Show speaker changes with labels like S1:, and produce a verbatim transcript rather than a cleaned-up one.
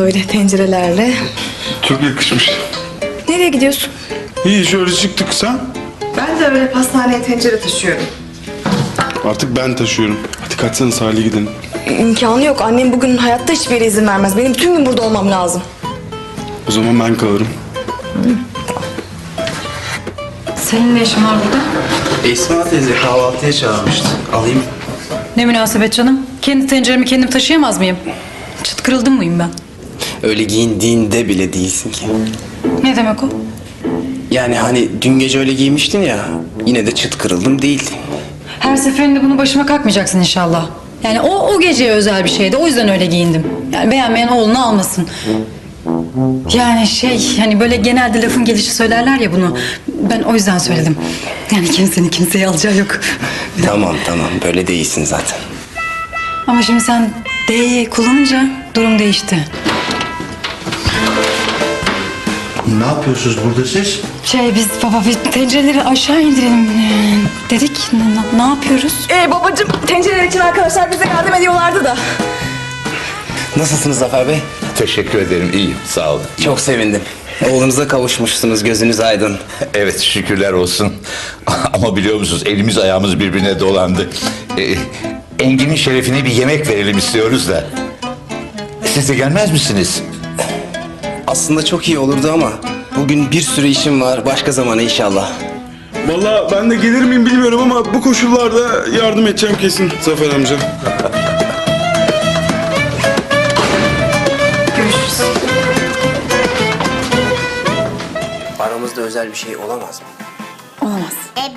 S1: böyle tencerelerle.
S2: Çok yakışmış.
S1: Nereye gidiyorsun?
S2: İyi şöyle çıktık sen.
S1: Ben de öyle pastaneye tencere taşıyorum.
S2: Artık ben taşıyorum. Hadi kaçsana sahile gidelim.
S1: İmkanı yok. Annem bugün hayatta hiçbir yere izin vermez. Benim bütün gün burada olmam lazım.
S2: O zaman ben kalırım.
S3: Senin ne işin var burada?
S4: Esma teyze kahvaltıya çağırmıştı. Alayım.
S3: Ne münasebet canım? Kendi tenceremi kendim taşıyamaz mıyım? Çıt kırıldım mıyım ben?
S4: Öyle giyindiğinde bile değilsin ki.
S3: Ne demek o?
S4: Yani hani dün gece öyle giymiştin ya. Yine de çıt kırıldım değildi.
S3: Her seferinde bunu başıma kalkmayacaksın inşallah. Yani o o geceye özel bir şeydi. O yüzden öyle giyindim. Yani beğenmeyen oğlunu almasın. Yani şey hani böyle genelde lafın gelişi söylerler ya bunu. Ben o yüzden söyledim. Yani kimsenin kimseye alacağı yok.
S4: Tamam tamam böyle değilsin zaten.
S3: Ama şimdi sen D'yi kullanınca durum değişti.
S5: Ne yapıyorsunuz burada siz?
S3: Şey biz baba bir tencereleri aşağı indirelim ee, dedik. Ne, ne- ne yapıyoruz?
S1: Ee babacığım, tencereler için arkadaşlar bize yardım ediyorlardı da.
S4: Nasılsınız Zafer Bey?
S6: Teşekkür ederim, iyiyim. Sağ olun.
S4: Çok sevindim. Oğlunuza kavuşmuşsunuz, gözünüz aydın.
S6: Evet, şükürler olsun. Ama biliyor musunuz, elimiz ayağımız birbirine dolandı. Ee, Engin'in şerefine bir yemek verelim istiyoruz da. Siz de gelmez misiniz?
S4: Aslında çok iyi olurdu ama bugün bir sürü işim var. Başka zamana inşallah.
S2: Vallahi ben de gelir miyim bilmiyorum ama bu koşullarda yardım edeceğim kesin Zafer amca.
S3: Görüşürüz.
S4: Aramızda özel bir şey olamaz mı?
S3: Olamaz.